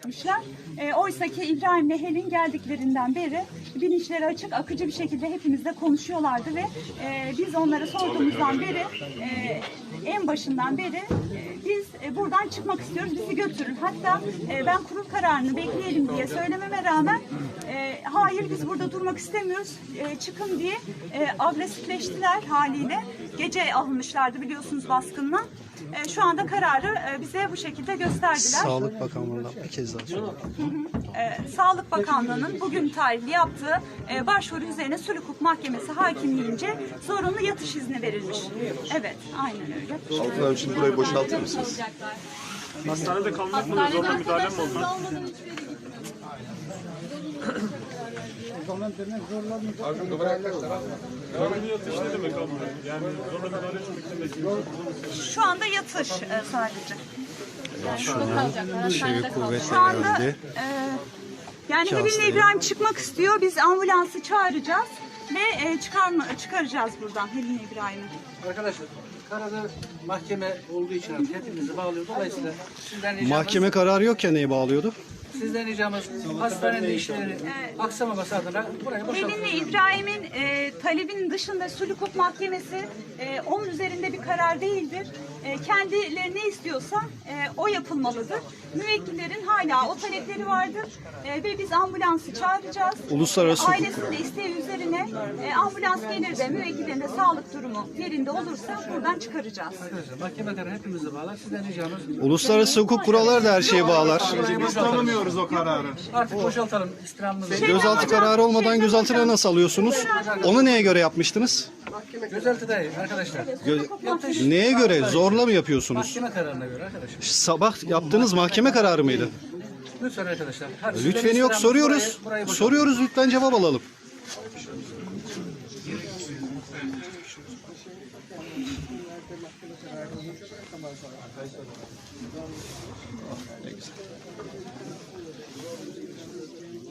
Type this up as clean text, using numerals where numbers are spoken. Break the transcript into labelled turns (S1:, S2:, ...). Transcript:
S1: etmişler. Oysa ki İbrahim'le Helin geldiklerinden beri bilinçleri açık, akıcı bir şekilde hepimizle konuşuyorlardı ve biz onlara sorduğumuzdan beri, en başından beri biz buradan çıkmak istiyoruz, bizi götürün. Hatta ben kurul kararını bekleyelim diye söylememe rağmen hayır biz burada durmak istemiyoruz, çıkın diye agresifleştiler haliyle. Gece alınmışlardı biliyorsunuz baskınla. Şu anda kararı bize bu şekilde gösterdiler.
S2: Sağlık Bakanlığı'ndan bir kez daha soralım.
S1: Sağlık Bakanlığı'nın bugün tarihli yaptığı başvuru üzerine Sulh Hukuk Mahkemesi hakimliğince zorunlu yatış izni verilmiş. Evet, aynen öyle.
S3: Altın Hanım, şimdi burayı boşaltır mısınız?
S4: Hastanede kalmak mı? Zorla müdahale mi oldu? Zorunlu yatış ne demek abla? Yani zorla müdahale etmek demek.
S1: Şu anda yatış sadece.
S2: Şu an çevik kuvvetler
S1: Şu anda
S2: geldi.
S1: yani Helin'le İbrahim çıkmak istiyor. Biz ambulansı çağıracağız ve çıkaracağız buradan Helin'le İbrahim'i.
S5: Arkadaşlar, kararı mahkeme olduğu için hepimizi bağlıyor. Dolayısıyla sizden ricamız,
S2: Mahkeme kararı yokken neyi bağlıyordu?
S5: sizden ricamız hastanenin işleri aksamaması adına burayı boşaltın.
S1: Helin'le İbrahim'in talebinin dışında Sulh Hukuk Mahkemesi onun üzerinde bir karar değildir. Kendileri ne istiyorsa o yapılmalıdır. Müvekkillerin hala o talepleri vardır ve biz ambulansı çağıracağız.
S2: Uluslararası hukuk.
S1: Ailesinin de isteği üzerine ambulans gelir de müvekkillerin de sağlık durumu yerinde olursa buradan çıkaracağız.
S5: Arkadaşlar, mahkeme kararı hepimizi bağlar. Sizden ricamız
S2: Uluslararası hukuk kuralları da her şeyi bağlar.
S3: Biz tanımıyoruz o kararı.
S5: artık boşaltalım istirhamımızı.
S2: Gözaltı kararı olmadan gözaltına nasıl alıyorsunuz? Onu neye göre yapmıştınız?
S5: Gözaltı değil arkadaşlar. Yatış
S2: Neye göre? Zorla mı yapıyorsunuz?
S5: mahkeme kararına göre arkadaşlar.
S2: Sabah yaptığınız mahkeme kararı mıydı?
S5: Lütfen arkadaşlar. Hadi
S2: Lütfen
S5: sizden
S2: yok,
S5: istirhamımız
S2: soruyoruz.
S5: burayı boşaltın.
S2: Soruyoruz, lütfen cevap alalım. Ne güzel.